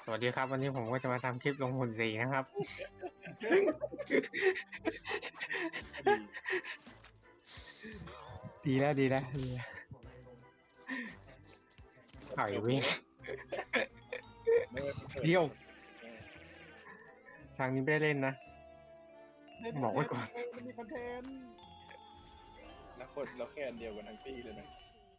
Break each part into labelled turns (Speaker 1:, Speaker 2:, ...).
Speaker 1: วัสดีครับวันนี้ผมก็จะมาทำคลิปลงหุ่นสีนะครับ
Speaker 2: ก็ดี
Speaker 1: ดีแล้วดีแล้วดีแล้วถอย
Speaker 2: จบ
Speaker 1: วิ่ง
Speaker 2: แล้วไม่ได้เปิด
Speaker 1: เดี่ยวทางนี้ไม่ได้เล่นนะ
Speaker 3: เล่นค
Speaker 1: บอก
Speaker 3: อนเท
Speaker 1: ไว้
Speaker 3: นต์
Speaker 1: ก่อน
Speaker 3: มันมีคอนเทนต์
Speaker 2: แล้วคนเราแค่อันเดียวกันทั้งปีเลยนะ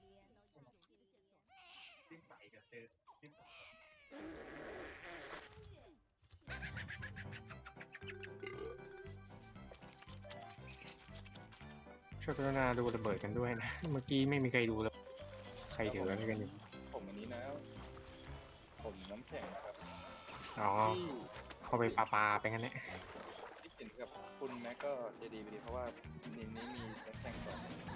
Speaker 1: ช่วยกรุณาดูระเบิดกันด้วยนะเมื่อกี้ไม่มีใครดูเลยใครถืออะไรกันอยู่
Speaker 2: ผมอันนี้นะผมน้ำแข็งครับ
Speaker 1: อ๋อ
Speaker 2: ที่
Speaker 1: เข้าไปปาไปงั้นแหละ
Speaker 2: ที่เขียนกับคุณแม็กก็จะดีไปดีเพราะว่านิมนี้มีน้ำแข็งสอง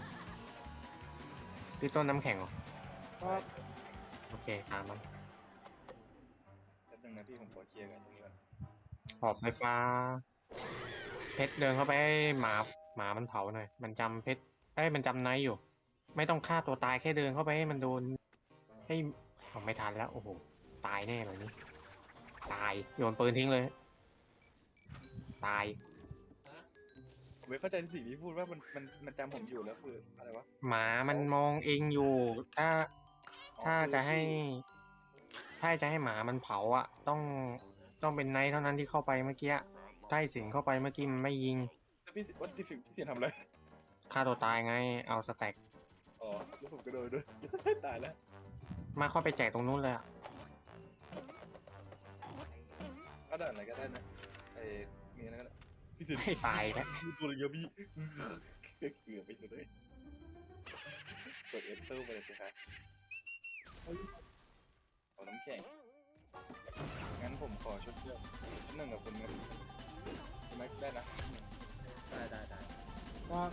Speaker 1: พี่ต้นน้ำแข็งเหรอ
Speaker 3: ครับ
Speaker 1: โอเคตามมัน
Speaker 2: แป๊บนึงนะพี่ผมขอเคลียร์กันตรงนี้ก่อน
Speaker 1: หอบไฟฟ้าเพชรเดินเข้าไปให้หมามันเผาหน่อยมันจำเพชรมันจำไนท์อยู่ ไม่ต้องฆ่าตัวตายแค่เดินเข้าไปให้มันโดนให้ไม่ทันแล้วโอ้โหตายแน่เลยนี่ตายโยนปืนทิ้งเลย ตาย
Speaker 2: ผมไม่เข้าใจสิ่งที่พูดว่ามันจำผมอยู่แล้วคืออะไรวะ
Speaker 1: หมามันมองเองอยู่ ถ้าจะให้ถ้าจะให้หมามันเผาอ่ะ ต้องเป็นไนท์เท่านั้นที่เข้าไปเมื่อกี้ใต้สิงเข้าไปเมื่อกี้มันไม่ยิง
Speaker 2: แล้วพี่วัดที่เสียทำอะไร
Speaker 1: ฆ่าตัวตายไงเอาสแต็ก
Speaker 2: อ๋อแล้วผมก็โดนด้วย ตายแล้ว
Speaker 1: มาเข้าไปแจกตรงนู้นเลยอ่ะ
Speaker 2: ก็ได้อะไรก็ได้นะไอ้มีอะไรก็ได้พี่สิน
Speaker 1: ให้ตายแล้ว
Speaker 2: มีตัวเยอะพี่เกือบไปเลยกด Enter ไปเลยสิครับเอาน้ำแข็งงั้นผมขอชุดเลือกหนึ่งกับคุณแม็กคุณแม็กได้นะได้
Speaker 3: ครับ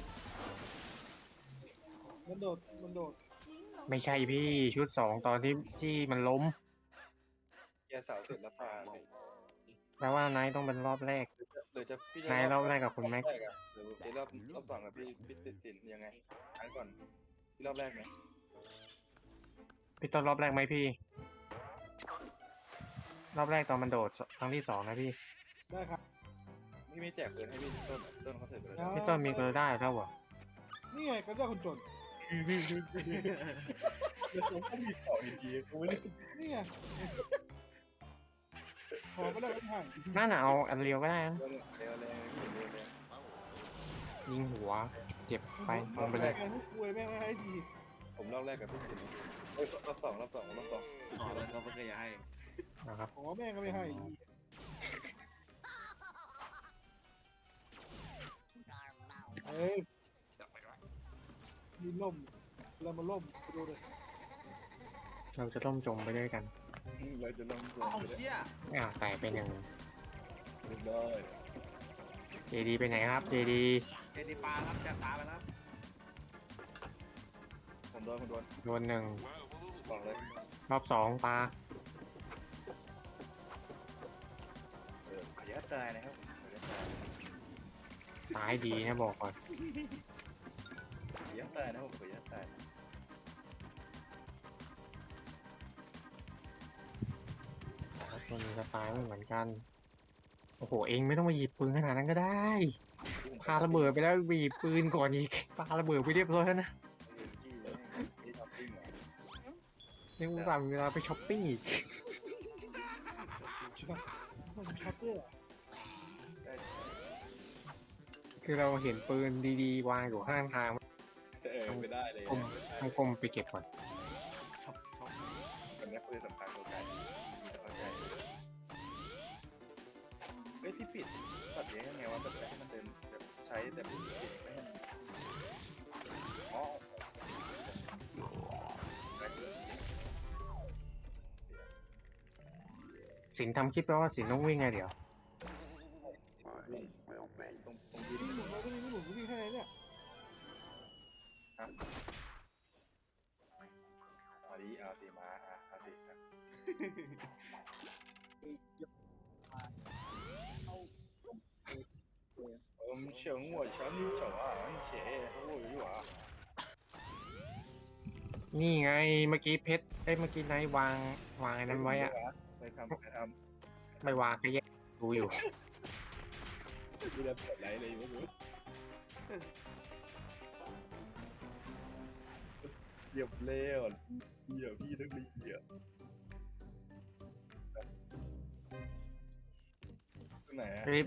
Speaker 3: มันโดด
Speaker 1: ไม่ใช่พี่ชุด2ตอนที่มันล้ม
Speaker 2: แกสาวเสร็จแล้วพาเลย
Speaker 1: แปลว่าไนท์ต้องเป็นรอบแรก
Speaker 2: หรือจะพี่จะ
Speaker 1: นายรอบแรกกับคุณแม็ก
Speaker 2: รอบรกอะหรือพี่รอบสองกับพี่ติดสินยังไงอันก่อนพี่รอบแรกไหม
Speaker 1: พี่ต้นรอบแรกไหมพี่ รอบแรกตอนมันโดดครั้งที่2นะพี่
Speaker 3: ได้ครับ
Speaker 2: พี่ไม่แจกปืนให้พี่ต้นเขาเสร็จไปแล้ว
Speaker 1: พี่ต้นมีเกลือได้แล้วเหรอ
Speaker 3: นี่ไงก็ได้คนจน
Speaker 2: แล้วผมก็มีของดีๆกูไม่ได้
Speaker 3: นี่ไงขอก็ได้ไม่ให้
Speaker 1: น่าหนาวอันเรียวก็ได้นะ
Speaker 2: เร็วเลยพี่เร็วเลย
Speaker 1: ยิงหัว เจ็บไปลงไปเลย
Speaker 3: แกทุกคุยแม่งไม่ให้ที
Speaker 2: ผมรอบแรกกับพี่สินเอ้ยรอบสอง
Speaker 4: อ๋อแล้วเขาไม่เคยให้
Speaker 1: นะครับ
Speaker 3: ขอแม่งก็ไม่ให้เอ้ย
Speaker 4: จับไปวะ
Speaker 3: มีล่มเรามาล่มไปดูเลย
Speaker 1: เราจะต้มจมไปด้วยกัน
Speaker 2: เราจะลงตัว
Speaker 4: เอาเชี่ย
Speaker 1: แตกไปหนึ่ง
Speaker 2: ได้
Speaker 1: เจดีไปไหนครับเจดี
Speaker 4: เจดีปลาครับจับปลาไปแล้ว
Speaker 2: ผมโดน
Speaker 1: โดนหนึ่ง
Speaker 2: บอกเลย
Speaker 1: รอบ2ปลา
Speaker 2: ขออนุญาตตายนะครับขออนุญาตตาย
Speaker 1: ตายดีนะบอกก่อน
Speaker 2: ขออนุญาตตายนะผมขออนุญาตตาย
Speaker 1: ตัวนี้สไตล์ไม่เหมือนกัน โอ้โห เองไม่ต้องมาหยิบปืนขนาดนั้นก็ได้พาระเบิดไปแล้วบีบปืนก่อนอีกปาระเบิดไปเรียบร้อยแล้วนะ
Speaker 2: ที่ที่ทำปิ้งเหรอ
Speaker 1: นี่อุตส่าห์มีเวลาไปช้อปปิ้งอีก
Speaker 3: ใช่ปะผมช็อตด้วยอะ
Speaker 2: ใช่
Speaker 1: คือเราเห็นปืนดีๆวางอยู่ข้างทาง
Speaker 2: ไม่ได้เลย
Speaker 1: ต้องก้มไปเก็บก่อน
Speaker 4: ช็อป
Speaker 2: วันนี้คือสำคัญตัวการเข้าใจเฮ้ยพี่ปิดตัดเลี้ยงยังไงวะแบบให้มันเดินแบบใช้แต่ไม่ให้มันอ๋อ
Speaker 1: สินทำคลิปแปลว่าสินต้องวิ่งไงเดี๋ยว
Speaker 2: ตรงยิน
Speaker 3: นี่หมุนแล้วก็นี่หมุนก็วิ่งแค่ไหนเนี่ย
Speaker 2: เอาดิเอาสิมาเอาสิ请我抢你走啊，你姐我有啊。
Speaker 1: นี่ไงเมื่อกี้เพชรเมื่อกี้ไนท์วางไอ้นั้นไว้อะ
Speaker 2: ไปทำ
Speaker 1: ไม่วางก็แยกดูอยู่
Speaker 2: ดูแลเปิดไลฟ์เลยไม่รู้เหยียบเลี้ยวเหยียบพี่ต้องรีบเหยียบตรงไหนอะ
Speaker 1: รีบ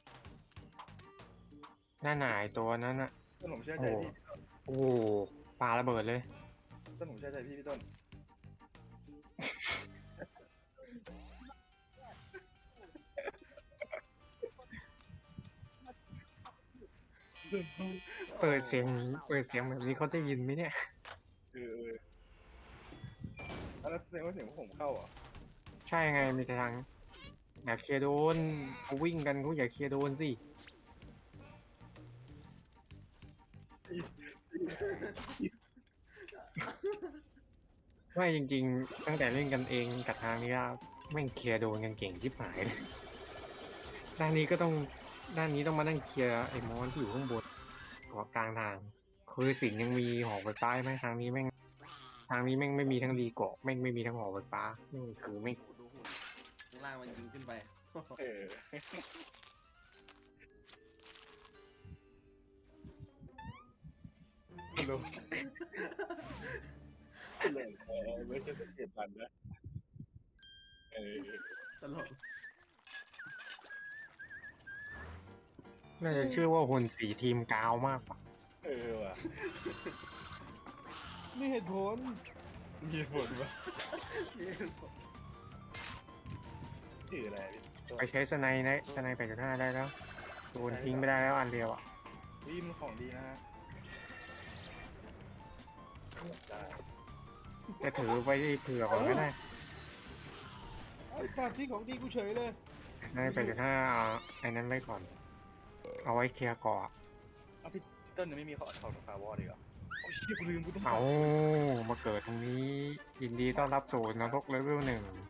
Speaker 1: หน้าหนายตัวนั้นอะ
Speaker 2: ต้นผมเชื่อใจพี่
Speaker 1: โอ้โหปาระเบิดเลย
Speaker 2: ต้นผมเชื่อใจพี่ต้น
Speaker 1: เปิดเสียงแบบนี้เขาได้ยินไหมเนี่ย
Speaker 2: แล้วแสดงว่าเสียงผมเข้าอ่ะ
Speaker 1: ใช่ไงมีแต่ทางอยากเคลียร์โดนเขาวิ่งกันเขาอยากเคลียร์โดนสิไม่จริงๆ ตั้งแต่เล่นกันเองกับทางนี้อะแม่งเคลียร์โดนกันเก่งชิบหายเลยด้านนี้ต้องมานั่งเคลียร์ไอ้มอนที่อยู่ข้างบนกับกลางทาง คือสิงห์ยังมีหอไฟฟ้าไหมทางนี้แม่งไม่มีทั้งรีเกาะแม่งไม่มีทั้งหอไฟฟ้านี่คือไม่
Speaker 4: โอ้โหดูหุ่นข้างล่างมันยิงขึ้นไป
Speaker 2: เออรู้เลยไม่ใช่สังเกตมันนะเออ
Speaker 4: ตลก
Speaker 1: น่าจะชื่อว่าหุ่นสีทีมกาวมากกว่า
Speaker 2: เออว่ะ
Speaker 3: มีเหตุผล
Speaker 2: มีผลว่ะชื่ออะไรพี่
Speaker 1: ไปใช้สไนด์นะสไนด์8.5ได้แล้วโดนทิ้งไม่ได้แล้วอันเดียวอ่ะ
Speaker 2: วิมของดีนะฮะได้
Speaker 1: จะถือไว้เผื่อก่อนก็ได้
Speaker 3: ไอ้ตัดที่ของดีกูเฉยเลย
Speaker 1: สไนด์8.5ไอ้นั้นไว้ก่อน เอาไว้เคลียร์เกาะ
Speaker 2: เอาพี่ต้นยังไม่มีของฟาวอร์ดีเหรอโอ้ยเชี่ยกูลืมกูต้อง
Speaker 1: เอามาเกิดตรงนี้ยินดีต้อนรับสู่นรกเลเวล 1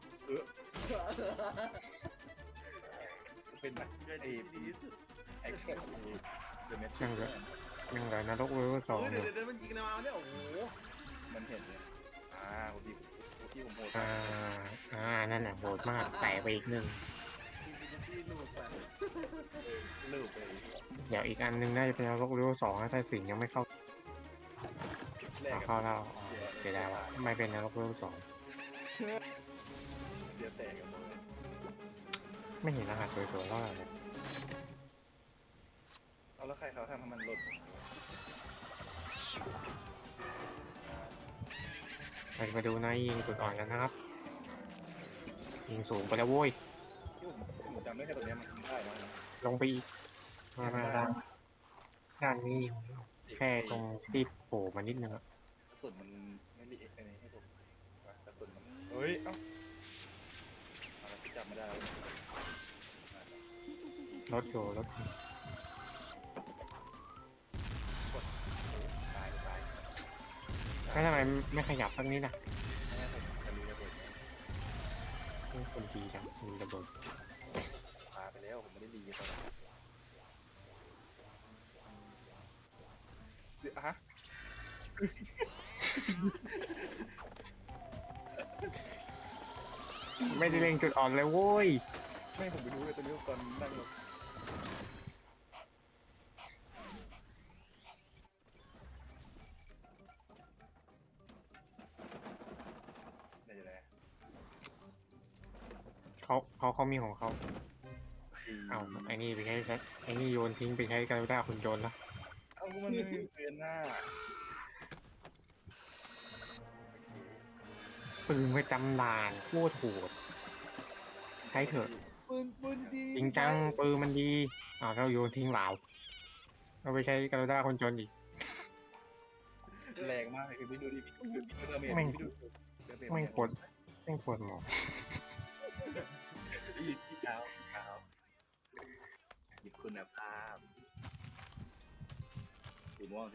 Speaker 2: เป็นแบบ
Speaker 4: เกิดที่ดีที่สุด
Speaker 2: ไอ้แค่เดอะเมท
Speaker 1: ยังเหลือนรกเลเวล 2
Speaker 4: เฮ้ย
Speaker 1: อ
Speaker 4: เดี๋ย
Speaker 1: ยู่
Speaker 4: วมันยิงอะไรมาเนี่ยโอ้โห
Speaker 2: มันเห็นเลยพี่ผมโหด
Speaker 1: นั่นแหละโหดมากแตกไปอีกหนึ่ง
Speaker 4: ที่ลูกไป
Speaker 2: ลืมไป
Speaker 1: เดี๋ยวอีกอันนึงน่าจะเป็นนรกเลเวล 2ถ้าสิงห์ยังไม่เข้า
Speaker 2: แรก
Speaker 1: เข้าแล้วเสียดายว่ะไม่เป็นนรกเลเวล 2
Speaker 2: เดี๋ยวแตกกันหมด
Speaker 1: ไม่เห็นรหัสสวยๆเท่าไหร่เลย
Speaker 2: เอาแล้วใครเขาทำให้มันหล่น
Speaker 1: เราจะมาดูนายยิงจุดอ่อนกันนะครับ ยิงสูงไปแล้วโว้ย
Speaker 2: ที่ผมจำได้แค่ตรงนี้มันทำได้นะ
Speaker 1: ลงไปอีกมาด้านนี้ยิงแค่ตรงที่โผล่มานิดนึงอะ
Speaker 2: กระสุนมันไม่รีเอ็กซ์ให้ผมกระสุนมันเฮ้ยเอ้าอะไรจับไม่ได้
Speaker 1: รถอยู่รถ
Speaker 2: ตาย
Speaker 1: แล้วทำไมไม่ขยับสักนิดอ่ะ
Speaker 2: ไม่ผมจะรู้ระเบิด
Speaker 1: นี่คนดีจังมีระเบิด
Speaker 2: พาไปแล้วผมไม่ได้ดีตอนนั้นฮะ
Speaker 1: ไม่ได้เล็งจุดอ่อนเลยโว้ย
Speaker 2: ไม่ผมไปรู้เลยตอนนี้ตอนนั่งรถได้ยังไง
Speaker 1: เขามีของเขาเอาไอ้นี่ไปใช้ไอ้นี่โยนทิ้งไปใช้กันได้คุณโยนละ
Speaker 2: เอามันไม่มีเปลี่ยนหน้า
Speaker 1: ปืนประจำด่านโคตรโหดใช้เถอะ
Speaker 3: ปืนดี
Speaker 1: จริงจังปืนมันดีเราโยนทิ้งเหลาเราไปใช้กันได้คนจนอีก
Speaker 2: แรงมากเลยคือไม่ดูดิพี่ดูเดอร์เมจ
Speaker 1: แม่ง
Speaker 2: พี่ดู
Speaker 1: ไม่งปวดหมอ
Speaker 2: พี่ขาวหยิบคุณภาพสีม่วง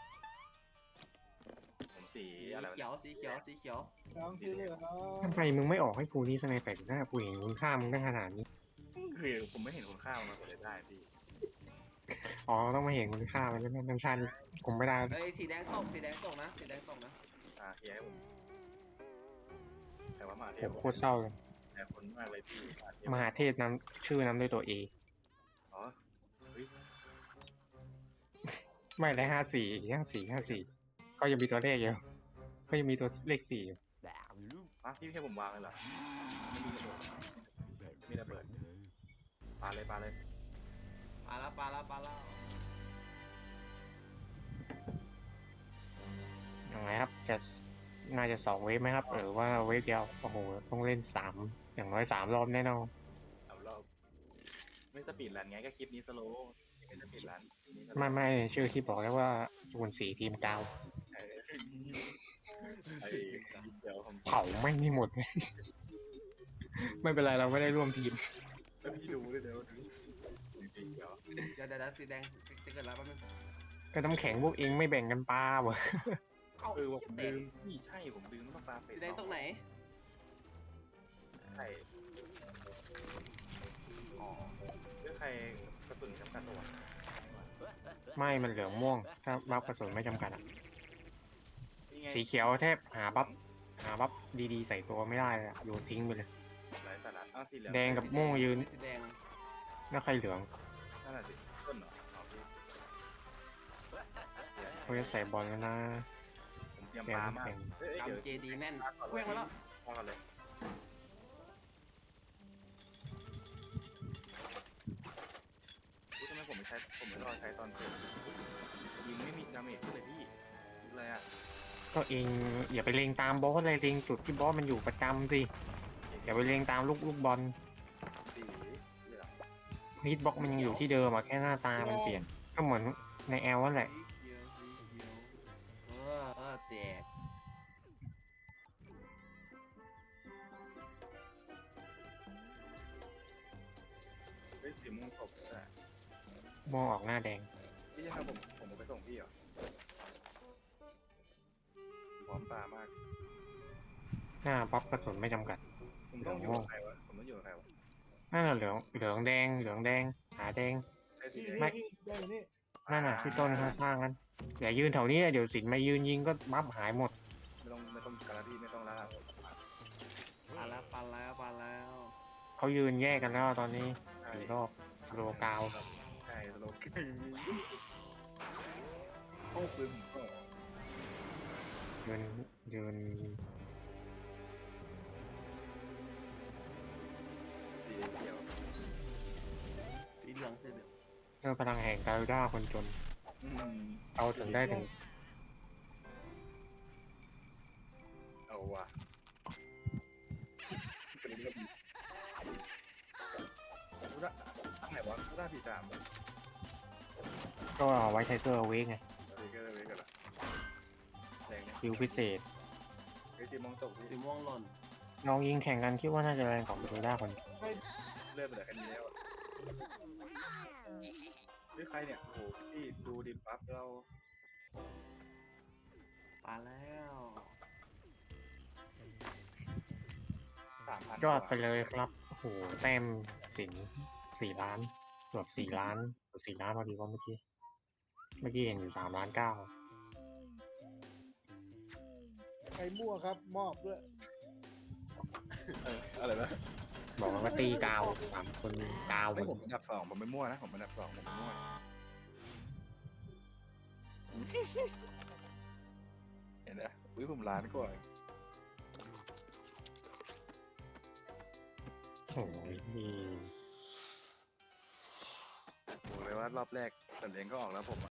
Speaker 2: ผมสี
Speaker 4: สี
Speaker 2: อะไร
Speaker 4: เขียวสีเขียว
Speaker 3: ทางสีเหลือง
Speaker 1: ทำไมมึงไม่ออกให้กูนี่สไนเปอร์หน้ากูเห็นคุณค่ามึงได้ขนาดนี้
Speaker 2: คือผมไม่เห็นคุณค่ามันเลยได้พี่
Speaker 1: ต้องมาเห็นคุณค่ามันใช่ไหมน้ำชาญผมไม่ได้
Speaker 4: เอ้ยสีแดงตกนะสีแดงตกนะ
Speaker 2: เฮียให้ผมแต่ว่ามาเท
Speaker 1: ผ
Speaker 2: พ
Speaker 1: มโคตรเศร้าเลย
Speaker 2: แต่คนมากเลยพี่มาเทพ
Speaker 1: มหาเทพนำชื่อนำด้วยตัวเอ
Speaker 2: อ๋อเฮ้ย
Speaker 1: ไม่ได้54ก็ยังมีตัวเลขอยู่ก็ยังมีตัวเลข4อยู่
Speaker 2: พี่ให้ผมวางเลยเหรอไม่มีระเบิดปาเลย
Speaker 4: ปลาแล้ว
Speaker 1: ยังไงครับจะน่าจะ2 เวฟไหมครับ หรือว่าเวฟเดียวโอ้โหต้องเล่น3อย่างน้อย3 รอบแน่นอน
Speaker 2: เอารอบไม่สปีดรันไงก็คลิปนี้สโลว์ไม่สปีดรัน
Speaker 1: ไม่ชื่อที่บอกแล้วว่าส่วน4ทีมกาว
Speaker 2: ไอ้เดี๋ยวผม
Speaker 1: เผาไม่มีหมดเลย ไม่เป็นไรเราไม่ได้ร่วมทีม
Speaker 2: แล้วพี่ดูด้วยเดี๋ยวเดี๋ยว
Speaker 4: เดี๋ยวสีแดงจะเกิดอะไรบ้าง
Speaker 1: ก็น้ำแข็งพวกเองไม่แบ่งกันปลาเหรอ
Speaker 4: เอ้า
Speaker 2: ว่าผม
Speaker 4: แด
Speaker 2: ลื
Speaker 4: ง
Speaker 2: มพี่ใช่ผมลืมต้องปลาเป็ด
Speaker 4: สีแดงตรงไหน
Speaker 2: ใช่อ๋อเรื่องใครกระสุนจำกัดตัว
Speaker 1: ไม่มันเหลืองม่วง ถ้าบัฟกระสุนไม่จำกัดอะ
Speaker 2: นี่ไง
Speaker 1: สีเขียวแทบหาบัฟดีๆใส่ตัวไม่ได้เลยอะโยนทิ้งไปเลย
Speaker 2: หลายสาระอ้าวสีเหลือง
Speaker 1: แดงกับม่วงยืน
Speaker 4: สีแดง
Speaker 1: แล้วใครเหลือง
Speaker 2: นั่นแหละสิต้นเหรอเอาพี่
Speaker 1: เขาจะใส่บอลแล้วนะ
Speaker 2: ผมเตรียมปลามากเดี๋ยว
Speaker 4: กำเจดีแม่นเคลื่อนมาแล้ว
Speaker 2: พอกันเลยทำไมผมไม่รอใช้ตอนเกิดยิงไม่มีดาเมจเลยพี่อะไรอ่ะ
Speaker 1: ก็เองอย่าไปเลงตามบอสเลยเลงจุดที่บอสมันอยู่ประจำสิอย่าไปเลงตามลูกบอล
Speaker 2: สีเหลือง
Speaker 1: ฮิตบ็อกมันยังอยู่ที่เดิมอะแค่หน้าตามันเปลี่ยน ก็เหมือนในแอลนั่นแหละ
Speaker 4: สีเขียวแตก
Speaker 2: เฮ้ยสีม่วงตบแต่
Speaker 1: มองออกหน้าแดง
Speaker 2: พี่จะทำผมไปส่งพี่เหรอพร้อมปลามาก
Speaker 1: หน้าบัฟกระสุนไม่จำกัด
Speaker 2: ผมต้องอยู่กับใครวะผมต้องอยู่กับใครวะ
Speaker 1: นั่นน่ะเหลืองแดงหาแดง
Speaker 2: ไอ้สี
Speaker 3: นี่
Speaker 2: แดง
Speaker 3: นี่ได้อย่างนี้
Speaker 1: นั่นน่ะที่ต้นข้างๆนั้นอย่ายืนแถวนี้เดี๋ยวสินมายืนยิงก็บัฟหายหมด
Speaker 2: ไม่ต้องการพี่ไม่ต้องล่า
Speaker 4: ปลาแล้ว
Speaker 1: เขายืนแยกกันแล้วตอนนี้4 รอบโลกาว
Speaker 2: ใช่สโลว์โอ้ปืนผมก็
Speaker 1: ยืน
Speaker 2: สีเขียว
Speaker 4: สีเหลือง
Speaker 1: เพื่อพลังแห่งกาลด้าคนจน เอาถึงได้ถึง
Speaker 2: เอาว่ะเป็นเรื่องกูได้ไหนวะกูได้ปีสาม
Speaker 1: ก็เอาไว้ไทเกอร์เอาไว้ไง
Speaker 2: อะไรก็เลยกันละแรงเนี่ย
Speaker 1: คิวพิเศษ
Speaker 2: ไอ้ตีมองตก
Speaker 4: สีม่วงหล่น
Speaker 1: น้องยิงแข่งกันคิดว่าน่าจะแรงกว่ากาลด้าคน
Speaker 2: เลื่อนไปเหลือแค่นี้แล้วนี่ใครเนี่ยโอ้โหพี่ดูดิปั๊บเรา
Speaker 4: ปลาแล้ว
Speaker 2: 3,000
Speaker 1: ยอดไปเลยครับโอ้โหแต้มสิน4 ล้านเกือบ4 ล้านเกือบ4 ล้านพอดีว่าเมื่อกี้เห็นอยู่3.9 ล้าน
Speaker 3: ใครมั่วครับ มอบด้วย
Speaker 2: อะไรนะ
Speaker 1: บอกว่าตีกาว3 คนกาวหม
Speaker 2: ไม่
Speaker 1: ด
Speaker 2: ผมเป็นอันดับ 2ผมไม่มั่วนะผมเป็นอันดับ 2ผมไม่มั่วเห็นไหมอุ้ยผมล้านกว่า
Speaker 1: โอ้ย
Speaker 2: บอกเลยว่ารอบแรกสัตว์เลี้ยงก็ออกแล้วผม